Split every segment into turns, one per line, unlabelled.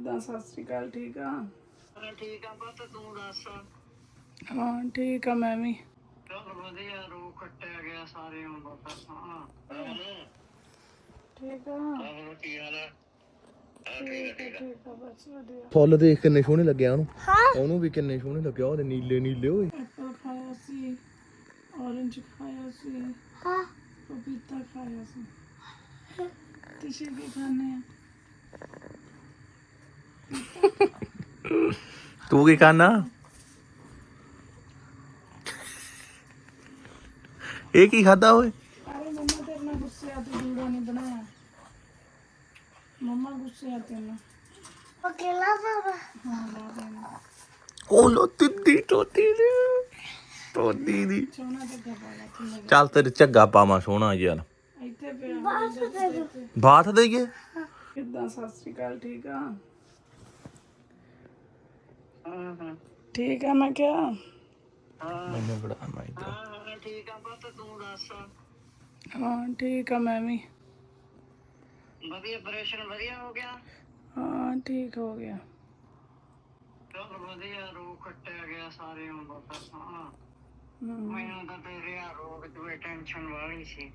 ਕਿੱਦਾਂ? ਸਤਿ ਸ਼੍ਰੀ ਅਕਾਲ। ਠੀਕ ਆ?
ਠੀਕ ਆ ਪੁੱਤ, ਤੂੰ ਦੱਸ?
ਹਾਂ ਠੀਕ ਆ ਮੈਂ ਵੀ।
ਚਲ ਵਧੀਆ, ਰੋ ਕੱਟਿਆ ਗਿਆ ਸਾਰੇ ਅੰਬ ਤਾਂ। ਹਾਂ
ਠੀਕ ਆ।
ਕੀ ਹਾਲ ਆ?
ਠੀਕ ਆ ਬਸ ਵਧੀਆ।
ਫੁੱਲ ਦੇਖ ਕਿੰਨੇ ਸੋਹਣੇ ਲੱਗਿਆ ਉਹਨੂੰ। ਉਹਨੂੰ ਵੀ ਕਿੰਨੇ ਸੋਹਣੇ ਲੱਗਿਆ, ਉਹਦੇ ਨੀਲੇ ਨੀਲੇ ਓਏ।
ਐਪਲ ਖਾਇਆ ਸੀ, ਔਰੰਜ ਖਾਇਆ ਸੀ, ਪਪੀਤਾ ਖਾਇਆ ਸੀ। ਤੁਸੀਂ ਕੀ ਖਾਣੇ ਆ?
ਤੂੰ ਕੀ ਖਾਣਾ? ਇਹ ਕੀ ਖਾਦਾ ਓਏ?
ਅਰੇ ਮੰਮਾ ਤੇਰੇ ਨਾਲ ਗੁੱਸੇ ਆ, ਤੂੰ ਜੂੜਾ ਨਹੀਂ ਬਣਾਇਆ। ਮੰਮਾ ਗੁੱਸੇ ਆ ਤੇਰੇ ਨਾਲ।
ਅਕੇਲਾ ਬਾਬਾ
ਹਾਂ ਲਾ ਦੇਣਾ।
ਉਹ ਲੋ ਤਿੱਦੀ ਤੋਤੀ ਦੀ
ਸੋਨਾ ਜੱਗਾ ਪਾ ਲਾ ਤੂੰ।
ਚੱਲ ਤੇਰੇ ਝੱਗਾ ਪਾਵਾਂ ਸੋਹਣਾ ਯਾਰ।
ਇੱਥੇ ਪਿਆ
ਬਾਤ ਦੇਈਏ।
ਕਿੱਦਾਂ? ਸਤਿ ਸ਼੍ਰੀ ਅਕਾਲ। ਠੀਕ ਆ?
ਹਾਂ
ਠੀਕ ਆ ਮੈਂ ਕਿਹਾ।
ਮੈਨੂੰ ਬੜਾ ਮੈਂ ਇਧਰ।
ਹਾਂ ਠੀਕ ਆ ਪੁੱਤ, ਤੂੰ ਦੱਸ?
ਹਾਂ ਠੀਕ ਆ ਮੈਂ ਵੀ।
ਵਧੀਆ, ਆਪਰੇਸ਼ਨ ਵਧੀਆ ਹੋ ਗਿਆ?
ਹਾਂ ਠੀਕ ਹੋ ਗਿਆ।
ਚਲ ਵਧੀਆ, ਰੋ ਕੱਟਿਆ ਗਿਆ ਸਾਰੇ ਅੰਬ ਤਾਂ। ਹਾਂ ਮੈਨੂੰ ਤਾਂ ਤੇਰੇ ਆ ਰੋਗ ਦੀ ਟੈਨਸ਼ਨ ਵਾਲੀ ਸੀ।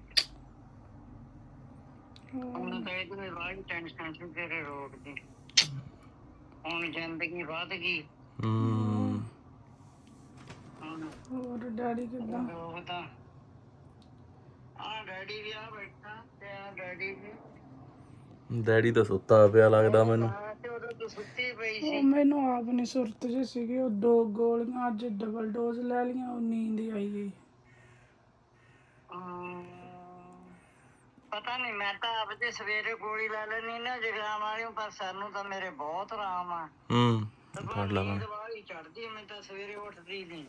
ਹੁਣ ਤਾਂ ਇਹਦੀ ਵਾਲੀ ਟੈਨਸ਼ਨ ਸੀ ਤੇਰੇ ਰੋਗ ਦੀ। ਹੁਣ ਜ਼ਿੰਦਗੀ ਵੱਧ ਗਈ।
ਹੋਰ ਡੈਡੀ ਕਿੱਦਾਂ?
ਉਹ ਤਾਂ ਆ ਡੈਡੀ ਵੀ ਆ ਬੈਠਾ ਤੇ ਆ ਡੈਡੀ ਵੀ।
ਡੈਡੀ ਤਾਂ ਸੁੱਤਾ ਪਿਆ ਲੱਗਦਾ ਮੈਨੂੰ।
ਤੇ ਉਦੋਂ ਤੂੰ ਸੁੱਤੀ ਪਈ
ਉਹ
ਸੀ।
ਮੈਨੂੰ ਆਪ ਨੀ ਸੁਰਤ ਜਿਹੀ ਸੀਗੀ। ਉਹ 2 ਗੋਲੀਆਂ ਅੱਜ ਡਬਲ ਡੋਜ਼ ਲੈ ਲਈਆਂ, ਉਹ ਨੀਂਦ ਹੀ ਆਈ ਗਈ।
ਪਤਾ ਨਹੀਂ, ਮੈਂ ਤਾਂ ਆਪ ਜੇ ਸਵੇਰੇ ਗੋਲੀ ਲੈ ਲੈਣੀ ਨਾ ਜ਼ੁਕਾਮ ਵਾਲੀ, ਪਰ ਸਾਨੂੰ ਤਾਂ ਮੇਰੇ ਬਹੁਤ ਆਰਾਮ ਆ।
ਫੜ ਲਵਾਂ।
ਦਵਾਈ ਚੜਦੀ ਮੈਂ ਤਾਂ ਸਵੇਰੇ ਉੱਠਦੀ ਨਹੀਂ।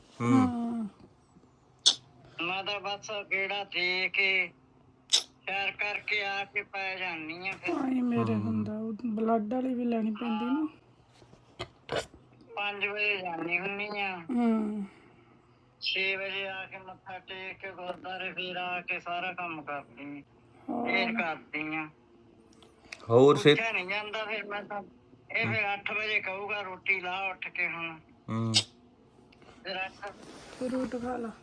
ਮੈਂ ਤਾਂ ਬਸ ਗੇੜਾ ਦੇ ਕੇ ਸੈਰ ਕਰਕੇ ਆ ਕੇ ਪੈ ਜਾਂਦੀ ਆ। ਫਿਰ
ਆਈ ਮੇਰੇ ਹੁੰਦਾ ਉਹ ਬਲੱਡ ਵਾਲੀ ਵੀ ਲੈਣੀ ਪੈਂਦੀ ਨਾ।
5 ਵਜੇ ਜਾਂਦੀ ਹੁੰਦੀ ਆ। 6 ਵਜੇ ਆ ਕੇ ਮੱਥਾ ਟੇਕ ਕੇ ਗੁਰਦੁਆਰੇ ਫਿਰ ਆ ਕੇ ਸਾਰਾ ਕੰਮ ਕਰਦੀ ਫੇਰ ਕਰਦੀ ਆ।
ਹੋਰ ਸੇ
ਉੱਠਿਆ ਨਹੀਂ ਜਾਂਦਾ ਫਿਰ ਮੈਂ ਤਾਂ। ਇਹ ਫਿਰ 8 ਵਜੇ ਕਹੂਗਾ ਰੋਟੀ ਲਾ ਉੱਠ ਕੇ। ਹੁਣ ਫਿਰ 8
ਫਰੂਟ ਖਾ ਲਾ।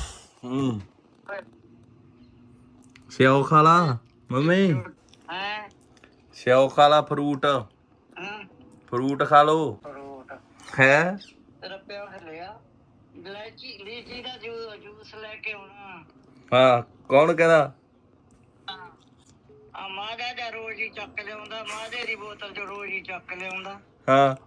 ਸਿਓ ਖਾ ਲਾ ਮੰਮੀ।
ਹੈ
ਸਿਓ ਖਾ ਲਾ ਫਰੂਟ। ਫਰੂਟ ਖਾ ਲੋ।
ਫਰੂਟ
ਹੈ
ਤੇਰਾ ਪਿਓ ਲਿਆ ਲੀਚੀ ਦਾ ਜੂਸ ਲੈ ਕੇ ਆਉਣਾ।
ਹਾਂ ਕੌਣ ਕਹਿੰਦਾ?
ਆ ਮਾਦਾ ਦਾ ਰੋਜ਼ ਹੀ ਚੱਕ ਲਿਆਉਂਦਾ। ਮਾਦੇ ਦੀ ਬੋਤਲ ਚ ਰੋਜ਼ ਹੀ ਚੱਕ ਲਿਆਉਂਦਾ।
ਹਾਂ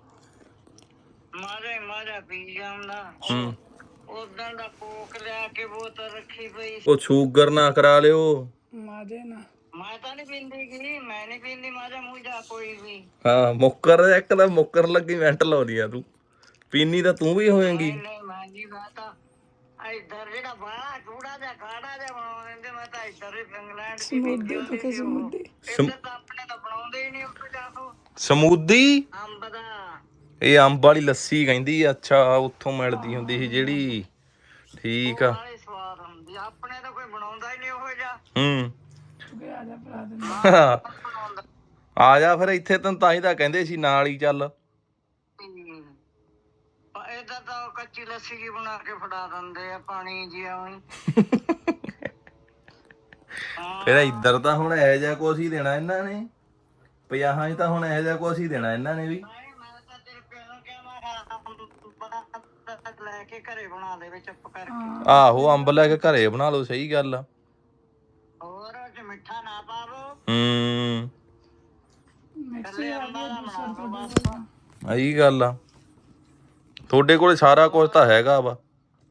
ਮਾਦਾ ਪੀ ਜਾਂਦਾ। ਉਦਾਂ ਦਾ ਕੋਕ ਲਿਆ ਕੇ ਬੋਤਲ ਰੱਖੀ ਪਈ।
ਉਹ ਸ਼ੂਗਰ ਨਾ ਕਰਾ ਲਿਓ।
ਮਾਜੇ ਨਾ।
ਮੈਂ ਤਾਂ ਨੀ ਪੀਂਦੀ ਗੀ, ਮੈਂ ਨੀ ਪੀਂਦੀ ਮਾਦਾ ਮੂਜਾ ਕੋਈ ਵੀ।
ਹਾਂ ਮੁੱਕਰ ਇੱਕ ਤਾਂ ਮੁੱਕਰ ਲੱਗੀ ਮਿੰਟ ਲਾਉਂਦੀ ਆ ਤੂੰ। ਪੀਨੀ ਤਾਂ ਤੂੰ ਵੀ ਹੋਏਗੀ।
ਨਹੀਂ ਮੈਂ ਜੀ ਮੈਂ ਤਾਂ ਇੱਧਰ ਜਿਹੜਾ ਬਾਹਲਾ ਚੂੜਾ ਜਿਹਾ ਕਾੜਾ ਜਿਹਾ ਬਣਾ ਦਿੰਦੇ। ਮੈਂ ਤਾਂ ਇੱਧਰ ਇੰਗਲੈਂਡ ਚ ਪੀਂਦੀ ਹੁੰਦੀ ਸੀ। ਇੱਧਰ ਤਾਂ ਆਪਣੇ ਤਾਂ ਬਣਾਉਂਦੇ ਹੀ ਨਹੀਂ ਉੱਥੇ ਜਾ ਕੇ।
ਸਮੂਦੀ
ਅੰਬ ਦਾ।
ਇਹ ਅੰਬ ਵਾਲੀ ਲੱਸੀ ਕਹਿੰਦੀ ਆ। ਅੱਛਾ ਉੱਥੋਂ ਮਿਲਦੀ ਹੁੰਦੀ ਸੀ ਜਿਹੜੀ। ਠੀਕ ਆ।
ਨਾਲੇ ਸਵਾਦ ਹੁੰਦੀ। ਆਪਣੇ ਤਾਂ ਕੋਈ ਬਣਾਉਂਦਾ ਹੀ ਨਹੀਂ ਉਹੋ ਜਿਹਾ।
ਆ ਜਾ ਭਰਾ ਦੇ।
ਆ ਜਾ ਫਿਰ ਇੱਥੇ ਤੈਨੂੰ ਤਾਂ ਹੀ ਤਾਂ ਕਹਿੰਦੇ ਸੀ ਨਾਲ ਹੀ ਚੱਲ।
ਏਦਾਂ ਤਾਂ ਕੱਚੀ ਲੱਸੀ ਜੀ ਬਣਾ ਕੇ ਫੜਾ ਦਿੰਦੇ ਆ, ਪਾਣੀ ਜੀ ਆਉਂ।
ਫਿਰ ਇੱਧਰ ਤਾਂ ਹੁਣ ਇਹੋ ਜਿਹਾ ਕੁਛ ਹੀ ਦੇਣਾ ਇਹਨਾਂ ਨੇ। 50 ਤਾਂ ਹੁਣ ਇਹੋ ਜਿਹਾ ਕੁਛ ਹੀ ਦੇਣਾ ਇਹਨਾਂ ਨੇ ਵੀ।
ਮੈਂ ਤਾਂ ਤੇਰੇ ਪਿਓ ਨੂੰ ਕਿਹਾ ਮੈਂ ਲੈ ਕੇ ਘਰੇ ਬਣਾ ਦੇ ਚੁੱਪ ਕਰਕੇ।
ਆਹੋ ਅੰਬ ਲੈ ਕੇ ਘਰੇ ਬਣਾ ਲਓ। ਸਹੀ ਗੱਲ ਆ।
ਹੋਰ ਚ ਮਿੱਠਾ ਨਾ ਪਾਵੋ।
ਮਿਕਸੀ ਆ ਗਈ।
ਇਹੀ ਗੱਲ ਆ। ਤੁਹਾਡੇ ਕੋਲ ਸਾਰਾ ਕੁਝ ਤਾਂ ਹੈਗਾ ਵਾ।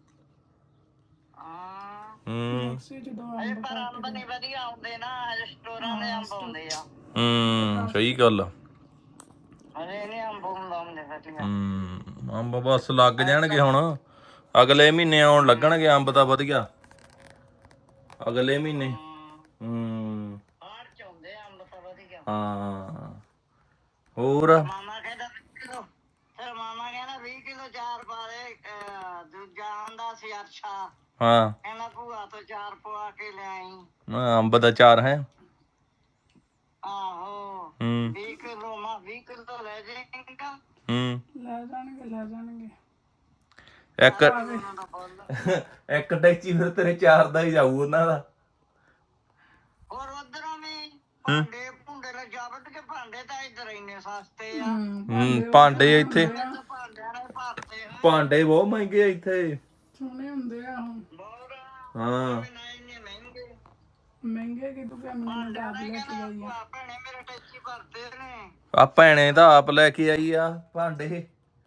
ਮਿਕਸੀ ਚ 2 ਅੰਬ
ਪਰ ਅੰਬ ਨਹੀਂ ਵਧੀਆ ਆਉਂਦੇ ਨਾ, ਸਟੋਰਾਂ ਦੇ ਅੰਬ ਆਉਂਦੇ ਆ।
ਸਹੀ ਗੱਲ ਆ।
ਅਰੇ ਨਹੀਂ ਅੰਬ ਹੁੰਦੇ ਵਧੀਆ।
ਅੰਬ ਬਸ ਲੱਗ ਜਾਣਗੇ ਹੁਣ। ਅਗਲੇ ਮਹੀਨੇ ਆਉਣ ਲੱਗਣਗੇ ਅੰਬ ਤਾਂ ਵਧੀਆ। ਅਗਲੇ ਮਹੀਨੇ
ਬਾਹਰ ਚ ਆਉਂਦੇ ਅੰਬ ਤਾਂ ਵਧੀਆ।
ਹਾਂ ਹੋਰ
ਮਾਮਾ ਕਹਿੰਦਾ 20 ਕਿਲੋ। ਫਿਰ ਮਾਮਾ ਕਹਿੰਦਾ 20 ਕਿਲੋ ਚਾਰ ਪਾ ਦੇ। ਦੂਜਾ ਆਂਦਾ ਸੀ ਅਰਸ਼ਾ।
ਹਾਂ
ਕਹਿੰਦਾ ਭੂਆ ਤੋਂ 4 ਪਵਾ ਕੇ ਲਿਆਈ।
ਅੰਬ ਦਾ ਚਾਰ ਹੈ।
ਆਹੋ
ਹੂੰ
20 ਕਿਲੋ 20 ਕਿਲੋ ਲੈ ਜਾਏਗਾ।
ਹੂੰ
ਲੈ ਜਾਣਗੇ
ਇੱਕ
ਉਹਨਾਂ ਦਾ ਬੋਲ
ਇੱਕ ਟੈਚੀ ਫਿਰ ਤੇਰੇ 4 ਦਾ ਹੀ ਜਾਊ ਉਹਨਾਂ ਦਾ।
ਹੋਰ ਉਧਰੋਂ ਵੀ ਭਾਂਡੇ ਭੁੰਡੇ ਲੈ ਜਾਵਟ ਕੇ ਭਾਂਡੇ ਤਾਂ ਇੱਧਰ ਇੰਨੇ ਸਸਤੇ ਆ।
ਭਾਂਡੇ ਇੱਥੇ
ਤਾਂ ਭਾਂਡਿਆਂ ਨੇ ਭਰਤੇ ਆ।
ਭਾਂਡੇ ਬਹੁਤ ਮਹਿੰਗੇ ਆ ਇੱਥੇ।
ਸੋਹਣੇ ਹੁੰਦੇ ਆ ਹੁਣ।
ਬਹੁਤ
ਹਾਂ
ਨਾ ਇੰਨੇ ਮਹਿੰਗੇ
ਮਹਿੰਗੇ ਕਿ ਤੂੰ ਮੈਨੂੰ
ਭਾਂਡਿਆਂ
ਆਪ
ਨੇ
ਲੈ ਕੇ ਆਈ ਆ।
ਕਹਿੰਦਾ ਭੈਣੇ ਮੇਰੇ ਟੈਚੀ ਭਰਤੇ ਨੇ।
ਆ ਭੈਣੇ ਤਾਂ ਆਪ ਲੈ ਕੇ ਆਈ ਆ ਭਾਂਡੇ।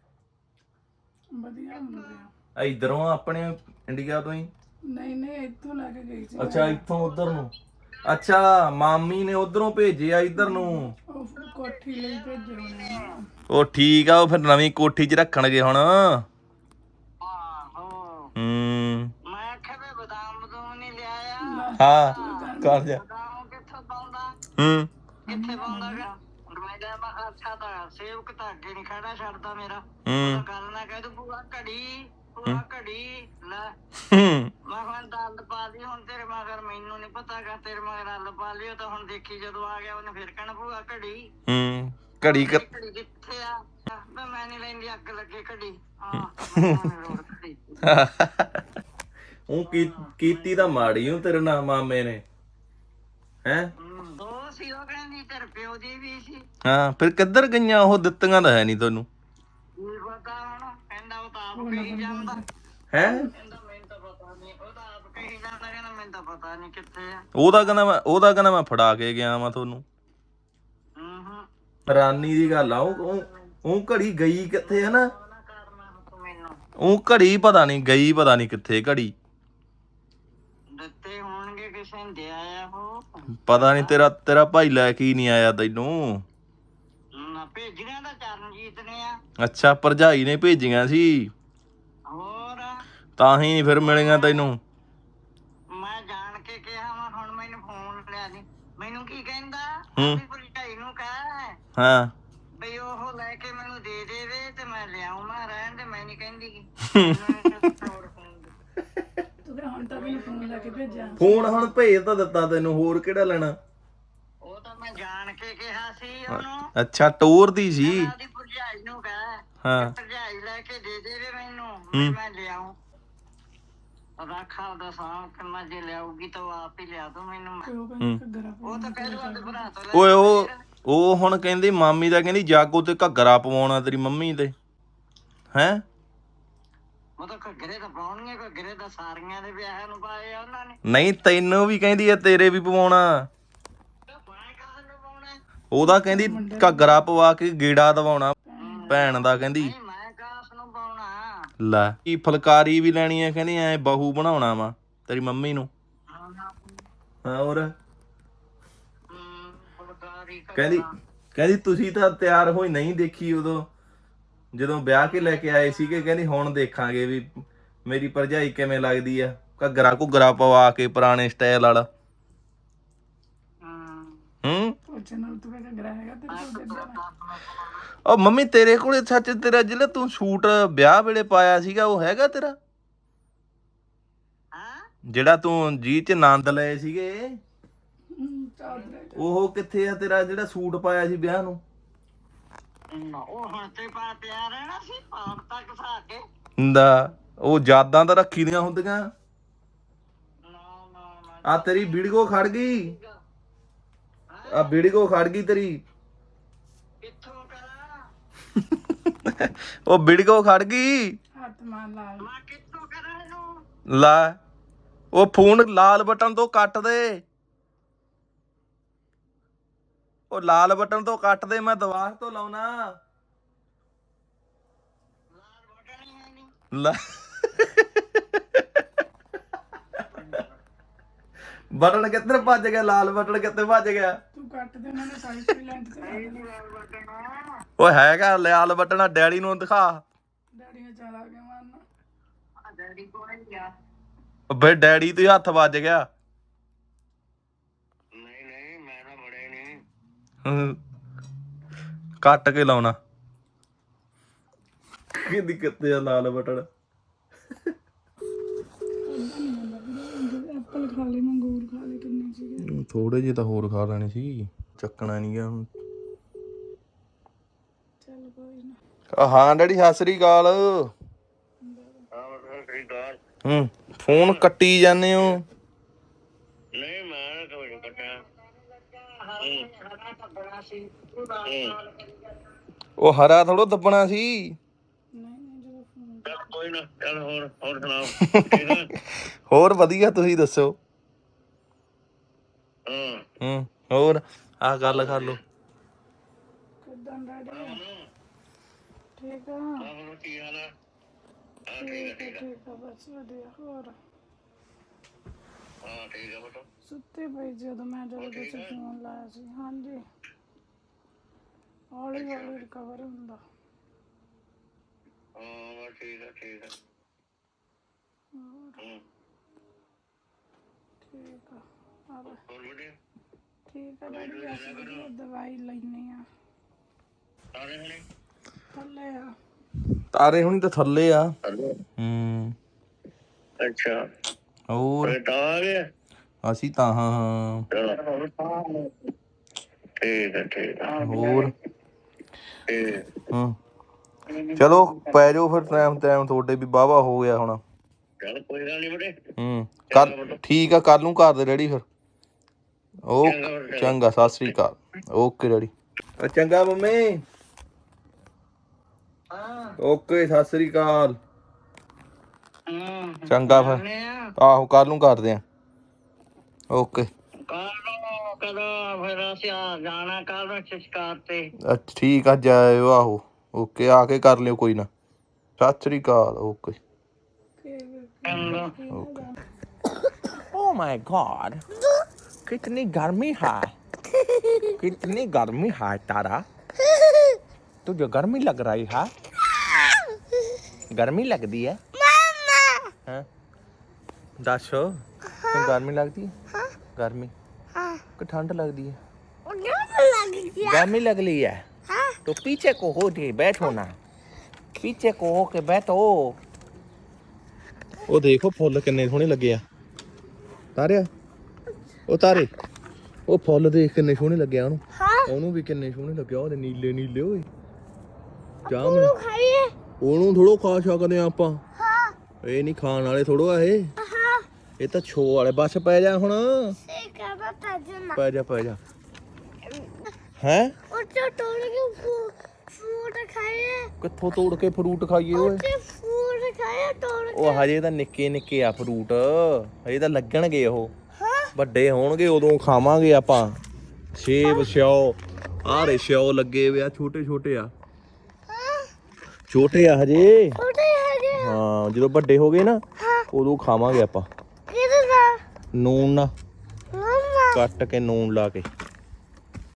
ਵਧੀਆ ਹੁੰਦੇ ਆ।
ਇਧਰੋਂ ਆਪਣੇ ਇੰਡੀਆ ਤੋਂ ਹੀ।
ਨਹੀਂ ਇੱਥੋਂ ਲੈ ਕੇ ਗਈ ਸੀ।
ਅੱਛਾ ਇੱਥੋਂ ਉਧਰ ਨੂੰ। ਅੱਛਾ ਮਾਮੀ ਨੇ ਉਧਰੋਂ ਭੇਜਿਆ ਇਧਰ ਨੂੰ।
ਉਹ ਕੋਠੀ ਲਈ ਭੇਜੇ ਹੋਣੇ ਆ।
ਉਹ ਠੀਕ ਆ, ਉਹ ਫਿਰ ਨਵੀਂ ਕੋਠੀ 'ਚ ਰੱਖਣਗੇ ਹੁਣ।
ਆਹੋ
ਮੈਂ
ਆਖਿਆ ਵੀ ਬਦਾਮ ਬਦੂਮ ਨਹੀਂ ਲਿਆਇਆ।
ਹਾਂ ਕਰ ਜਾ।
ਬਦਾਮ ਕਿੱਥੋਂ ਪਾਉਂਦਾ ਕਿੱਥੇ ਪਾਉਂਦਾਗਾ। ਮੈਂ ਕਿਹਾ ਅੱਛਾ ਤਾਂ ਸੇਵਕ ਤਾਂ ਅੱਗੇ ਨਹੀਂ ਖੜਾ ਛੱਡਦਾ ਮੇਰਾ। ਗੱਲ ਨਾ ਕਹਿ ਤੂੰ ਭੂਆ ਘੜੀ ਲੈ ਮੈਂ ਕਿਹਾ ਦੰਦ ਪਾ ਲਈ ਹੁਣ ਤੇਰੇ ਮਗਰ। ਮੈਨੂੰ ਨੀ ਪਤਾਗਾ ਤੇਰੇ ਮਗਰ ਹੱਲ ਪਾ ਲਿਓ ਤਾਂ ਹੁਣ ਦੇਖੀ ਜਦੋਂ ਆ ਗਿਆ ਉਹਨੇ ਫਿਰ ਕਹਿਣਾ ਭੂਆ ਘੜੀ
ਘੜੀ
ਕਿੱਥੇ ਆ। ਮੈਂ ਨੀ ਲੈਂਦੀ ਅੱਗ ਲੱਗੇ ਘੜੀ।
ਉਹ ਕੀਤੀ ਤਾਂ ਮਾੜੀ ਉਹ ਤੇਰੇ ਨਾਲ ਮਾਮੇ ਨੇ ਹੈ।
ਉਹ ਸੀ ਉਹ ਕਹਿੰਦੀ ਤੇਰੇ ਪਿਓ ਦੀ ਵੀ ਸੀ।
ਹਾਂ ਫਿਰ ਕਿੱਧਰ ਗਈਆਂ ਉਹ? ਦਿੱਤੀਆਂ ਤਾਂ ਹੈ ਨਹੀਂ ਤੈਨੂੰ।
ਕੀ ਪਤਾ ਹੁਣ ਕਹਿੰਦਾ ਉਹ ਤਾਂ ਆਪ ਕਹੀ ਜਾਂਦਾ
ਹੈ।
ਕਹਿੰਦਾ ਮੈਨੂੰ ਤਾਂ ਪਤਾ ਨਹੀਂ। ਉਹ ਤਾਂ ਆਪ ਕਹੀ ਜਾਂਦਾ ਕਹਿੰਦਾ ਮੈਨੂੰ ਤਾਂ ਪਤਾ ਨਹੀਂ ਕਿੱਥੇ ਆ।
ਉਹਦਾ ਕਹਿੰਦਾ ਮੈਂ ਫੜਾ ਕੇ ਗਿਆ ਵਾਂ ਤੁਹਾਨੂੰ। ਰਾਨੀ ਦੀ ਗੱਲ ਆ। ਉਹ ਘੜੀ ਗਈ ਕਿੱਥੇ ਹੈ ਨਾ। ਉਹ ਘੜੀ ਪਤਾ ਨਹੀਂ ਕਿੱਥੇ ਘੜੀ।
ਦਿੱਤੇ ਹੋਣਗੇ ਕਿਸੇ ਨੇ ਦਿਆ ਆ ਉਹ।
ਪਤਾ ਨਹੀਂ ਤੇਰਾ ਭਾਈ ਲੈ ਕੇ ਹੀ ਨਹੀਂ ਆਇਆ ਤੈਨੂੰ।
ਨਾ ਭੇਜੀਆਂ ਤਾਂ ਚਰਨਜੀਤ ਨੇ ਆ।
ਅੱਛਾ ਭਰਜਾਈ ਨੇ ਭੇਜੀਆਂ ਸੀ।
ਹੋਰ
ਤਾਂ ਹੀ ਫਿਰ ਮਿਲੀਆਂ ਤੈਨੂੰ।
ਮੈਂ ਜਾਣ ਕੇ ਕਿਹਾ ਵਾ ਹੁਣ ਮੈਨੂੰ ਫੋਨ ਲਿਆ ਦੀ। ਮੈਨੂੰ ਕੀ ਕਹਿੰਦਾ ਭਰਜਾਈ ਨੂੰ ਕਹਿ
ਹਾਂ
ਬਈ ਉਹ ਲੈ ਕੇ ਮੈਨੂੰ ਦੇ ਦੇਵੇ ਤੇ ਮੈਂ ਲਿਆਉਂ। ਮੈਂ ਰਹਿਣ ਦੇ ਮੈਂ ਨਹੀਂ ਕਹਿੰਦੀ।
ਤੂੰ ਕਿਹਾ ਹੁਣ ਤਾਂ ਮੈਨੂੰ ਫੋਨ ਲੈ ਕੇ ਭੇਜਿਆ।
ਫੋਨ ਹੁਣ ਭੇਜ ਤਾਂ ਦਿੱਤਾ ਤੈਨੂੰ, ਹੋਰ ਕਿਹੜਾ ਲੈਣਾ।
ਉਹ ਤਾਂ ਮੈਂ ਜਾਣ ਕੇ ਕਿਹਾ ਸੀ ਉਹਨੂੰ।
ਅੱਛਾ ਟੋਰ ਦੀ ਸੀ।
ਉਹਦੀ ਭਰਜਾਈ ਨੂੰ ਕਹਿ ਭਰਜਾਈ ਲੈ ਕੇ ਦੇ ਦੇਵੇ ਮੈਨੂੰ ਮੈਂ ਲਿਆਉਂ। ਰੱਖਾ ਦਾ ਸਾਂ ਕਿੰਨਾ ਜੇ ਲਿਆਉਗੀ ਤਾਂ ਉਹ ਆਪ ਹੀ ਲਿਆ ਦੋ ਮੈਨੂੰ। ਉਹ ਤਾਂ ਕਹਿ ਦੂਗਾ ਤੇ ਭਰਾ ਤੋਂ ਲੈ।
ਓਏ ਉਹ ਹੁਣ ਕਹਿੰਦੀ ਮਾਮੀ ਦਾ ਕਹਿੰਦੀ ਜਾਗੋ ਤੇ ਘੱਗਰਾ ਪਵਾਉਣਾ ਤੇਰੀ ਮੰਮੀ ਤੇ ਹੈ।
ਉਹ ਤਾਂ ਘੱਗਰੇ ਤਾਂ ਪਾਉਣਗੇ। ਘੱਗਰੇ ਤਾਂ ਸਾਰੀਆਂ ਦੇ ਵਿਆਹਾਂ ਨੂੰ ਪਾਏ ਆ ਉਹਨਾਂ ਨੇ।
ਨਹੀਂ ਤੈਨੂੰ ਵੀ ਕਹਿੰਦੀ ਆ ਤੇਰੇ ਵੀ ਪਵਾਉਣਾ। ਉਹਦਾ ਕਹਿੰਦੀ ਘੱਗਰਾ ਪਵਾ ਕੇ ਗੇੜਾ ਦਵਾਉਣਾ ਭੈਣ ਦਾ ਕਹਿੰਦੀ।
ਮੈਂ ਕਾਸ ਨੂੰ ਪਾਉਣਾ।
ਲੈ ਕੀ ਫੁਲਕਾਰੀ ਵੀ ਲੈਣੀ ਆ ਕਹਿੰਦੀ ਐ ਬਹੂ ਬਣਾਉਣਾ ਵਾ ਤੇਰੀ ਮੰਮੀ ਨੂੰ। ਹਾਂ ਹੋਰ ਕਹਿੰਦੀ ਤੁਸੀਂ ਤਾਂ ਤਿਆਰ ਹੋਈ ਨਹੀਂ ਦੇਖੀ ਉਦੋਂ ਜਦੋਂ ਵਿਆਹ ਕੇ ਲੈ ਕੇ ਆਏ ਸੀਗੇ। ਕਹਿੰਦੀ ਹੁਣ ਦੇਖਾਂਗੇ ਵੀ ਮੇਰੀ ਭਰਜਾਈ ਕਿਵੇਂ ਲੱਗਦੀ ਆ ਘੱਗਰਾ ਪਵਾ ਕੇ ਪੁਰਾਣੇ ਸਟਾਈਲ ਵਾਲਾ। ਉਹ ਮੰਮੀ ਤੇਰੇ ਕੋਲੇ ਸੱਚ ਤੇਰਾ ਜਿਹੜਾ ਤੂੰ ਸੂਟ ਵਿਆਹ ਵੇਲੇ ਪਾਇਆ ਸੀਗਾ ਉਹ ਹੈਗਾ ਤੇਰਾ? ਜਿਹੜਾ ਤੂੰ ਜੀ ਚ ਆਨੰਦ ਲਏ ਸੀਗੇ ਉਹ ਕਿੱਥੇ ਆ ਤੇਰਾ ਜਿਹੜਾ ਸੂਟ ਪਾਇਆ ਸੀ ਵਿਆਹ ਨੂੰ?
ਉਹ ਹੁਣ ਤੇ ਪਾ ਪਿਆ ਰਹਿਣਾ ਸੀ ਪਾਪ ਤੱਕ ਸਾ ਕੇ
ਉਹ ਯਾਦਾਂ ਤਾਂ ਰੱਖੀ ਦੀਆਂ ਹੁੰਦੀਆਂ। ਆ ਤੇਰੀ ਵੀਡੀਓ ਖੜ ਗਈ। ਆ ਵੀਡੀਓ ਖੜ ਗਈ ਤੇਰੀ।
ਕਿੱਥੋਂ ਕਰਾਂ
ਉਹ ਵੀਡੀਓ ਖੜ ਗਈ।
ਹੱਥ ਮਾਰ ਲਾ।
ਮੈਂ ਕਿੱਥੋਂ ਕਰਾਂ ਇਹਨੂੰ।
ਲੈ ਉਹ ਫੋਨ ਲਾਲ ਬਟਨ ਤੋਂ ਕੱਟ ਦੇ। ਉਹ ਲਾਲ ਬਟਨ ਤੋਂ ਕੱਟ ਦੇ ਮੈਂ ਦੁਬਾਰਾ ਤੋਂ ਲਾਉਣਾ।
ਲਾਲ ਬਟਨ ਹੀ ਹੈ ਨਹੀਂ।
ਲੈ ਬਟਨ ਕਿੱਧਰ ਭੱਜ ਗਿਆ? ਲਾਲ ਬਟਨ ਕਿੱਥੇ ਭੱਜ ਗਿਆ?
ਤੂੰ ਕੱਟ ਦੇ ਉਹਨਾਂ ਨੇ ਸਾਈਜ਼ ਵੀ ਲੈਂਥ ਤੇ
ਲਾਲ ਬਟਨ
ਓਏ ਹੈਗਾ ਲਾਲ ਬਟਨ। ਡੈਡੀ ਨੂੰ ਦਿਖਾ।
ਡੈਡੀ ਨੇ ਚਲਾ ਕੇ ਮਾਰਨਾ।
ਆ ਡੈਡੀ ਕੋਲ ਹੀ ਗਿਆ।
ਬਈ ਡੈਡੀ ਤੇ ਹੱਥ ਵੱਜ ਗਿਆ।
ਨਹੀਂ ਮੈਂ ਤਾਂ ਬੜੇ ਨਹੀਂ।
ਕੱਟ ਕੇ ਲਾਉਣਾ। ਕਿਹਦੀ ਕਿੱਥੇ ਆ ਲਾਲ ਬਟਨ?
ਐਪਲ ਖਾ ਲੈ, ਮੰਗੂਰ ਖਾ ਲੈ, ਕਿੰਨੇ ਸੀਗੇ।
ਥੋੜੇ ਜਿਹੇ ਤਾਂ ਹੋਰ ਖਾ ਲੈਣੇ ਸੀ। ਚੱਕਣਾ ਨਹੀਂ ਗਿਆ ਹੁਣ।
ਕੋਈ ਨਾ
ਹਾਂ ਡੈਡੀ ਸਤਿ ਸ੍ਰੀ ਅਕਾਲ। ਫੋਨ ਕੱਟੀ ਜਾਂਦੇ ਹੋ।
ਨਹੀਂ ਮੈਂ ਕੋਈ ਨਹੀਂ ਕੱਟਿਆ।
ਉਹ ਹਰਾ ਥੋੜੋ ਦੱਬਣਾ ਸੀ।
ਨਹੀਂ ਜਦੋਂ ਫੋਨ
ਚੱਲ ਕੋਈ ਨਾ, ਚੱਲ ਹੋਰ ਸੁਣਾਓ ਠੀਕ ਆ?
ਹੋਰ ਵਧੀਆ ਤੁਸੀਂ ਦੱਸੋ।
ਹਾਂ
ਹੋਰ ਆਹ ਗੱਲ ਕਰ ਲਓ।
ਕਿੱਦਾਂ ਡੈਡੀ ਠੀਕ ਆ?
ਆਹ ਕੀ ਹਾਲ ਆ?
ਠੀਕ ਆ ਬਸ ਵਧੀਆ। ਹੋਰ
ਹਾਂ ਠੀਕ ਆ ਬੇਟਾ।
ਸੁੱਤੇ ਪਈ ਜਦੋਂ ਤੁਸੀਂ ਫੋਨ ਲਾਇਆ ਸੀ। ਹਾਂਜੀ ਹੌਲੀ ਹੌਲੀ ਰਿਕਵਰ ਹੁੰਦਾ।
ਹਾਂ ਠੀਕ ਆ
ਠੀਕ ਆ ਆ ਲੈ।
ਹੋਰ ਵਧੀਆ
ਠੀਕ ਆ ਡੈਡੀ ਬਸ ਵਧੀਆ। ਦਵਾਈ ਲੈਣੀ ਆ।
ਸਾਰੇ ਹਣੇ
ਥੱਲੇ ਆ।
ਤਾਰੇ ਹੁਣੀ ਤਾਂ ਥੱਲੇ ਆ।
ਅੱਛਾ
ਹੋਰ
ਤਾਂ ਆ ਗਿਆ।
ਅਸੀਂ ਤਾਂ ਹਾਂ
ਠੀਕ ਆ
ਹੋਰ
ਠੀਕ।
ਚਲੋ ਪੈ ਜਾਓ ਫਿਰ। ਟਾਈਮ ਤੁਹਾਡੇ ਵੀ ਵਾਹਵਾ ਹੋ ਗਿਆ ਹੁਣ।
ਚੱਲ ਕੋਈ ਗੱਲ ਨਹੀਂ ਬੜੇ।
ਕੱਲ ਠੀਕ ਆ, ਕੱਲ ਨੂੰ ਘਰ ਦੇ ਡੈਡੀ ਫਿਰ। ਓਕੇ ਚੰਗਾ ਸਤਿ ਸ੍ਰੀ ਅਕਾਲ। Okay daddy. ਚੰਗਾ ਮੰਮੀ। ਓਕੇ ਸਤਿ ਸ੍ਰੀ ਅਕਾਲ। ਚੰਗਾ ਫਿਰ। ਆਹੋ ਕੱਲ ਨੂੰ ਕਰਦੇ ਆ। ਓਕੇ
ਕਦੋਂ ਫਿਰ ਅਸੀਂ ਜਾਣਾ ਕੱਲ ਨੂੰ ਸ਼ਿਕਾਰ ਤੇ।
ਅੱਛਾ ਠੀਕ ਆ ਜਾਇਓ। ਆਹੋ ਓਕੇ ਆ ਕੇ ਕਰ ਲਿਓ ਕੋਈ ਨਾ। ਸਤਿ ਸ੍ਰੀ ਅਕਾਲ। ਓਕੇ।
Oh my God! कितनी गर्मी है, कितनी गर्मी है तारा। तुझे गर्मी लग रही है? गर्मी लगती है? हाँ? दस तो गर्मी लगती है? गर्मी कि ठंड लगती है? गर्मी लग रही है तो पीछे को हो के बैठो ना, पीछे को हो के बैठो।
ਉਹ ਦੇਖੋ ਫੁੱਲ ਕਿੰਨੇ ਸੋਹਣੇ ਲੱਗੇ ਆ ਤਾਰਿਆ। ਉਹ ਤਾਰੇ ਉਹ ਫੁੱਲ ਦੇਖ ਕਿੰਨੇ ਸੋਹਣੇ ਲੱਗੇ ਆ ਉਹਨੂੰ। ਉਹਨੂੰ ਵੀ ਕਿੰਨੇ ਸੋਹਣੇ ਲੱਗੇ ਆ। ਉਹਦੇ ਨੀਲੇ ਨੀਲੇ ਓਏ ਜਾਮ। ਉਹਨੂੰ ਥੋੜੋ ਖਾ ਸਕਦੇ ਆ ਆਪਾਂ। ਇਹ ਨਹੀਂ ਖਾਣ ਵਾਲੇ ਥੋੜੋ ਆ ਇਹ ਤਾਂ ਛੋ ਵਾਲੇ। ਬਸ ਪੈ ਜਾ ਹੁਣ। ਪੈ ਜਾ ਹੈ। ਕਿੱਥੋਂ ਤੋੜ ਕੇ ਫਰੂਟ ਖਾਈਏ ਓਏ? ਉਹ ਹਜੇ ਤਾਂ ਨਿੱਕੇ ਨਿੱਕੇ ਆ ਫਰੂਟ। ਹਜੇ ਤਾਂ ਲੱਗਣਗੇ ਉਹ। ਵੱਡੇ ਹੋਣਗੇ ਉਦੋਂ ਖਾਵਾਂਗੇ ਆਪਾਂ। ਸੇਬ ਸਿਓ ਆਰੇ ਸਿਓ ਲੱਗੇ ਵੇ ਆ। ਛੋਟੇ ਛੋਟੇ ਆ। ਛੋਟੇ ਆ ਹਜੇ। ਹਾਂ ਜਦੋਂ ਵੱਡੇ ਹੋ ਗਏ ਨਾ ਉਦੋਂ ਖਾਵਾਂਗੇ ਆਪਾਂ। ਨੂਨ ਨਾ ਕੱਟ ਕੇ ਨੂਨ ਲਾ ਕੇ।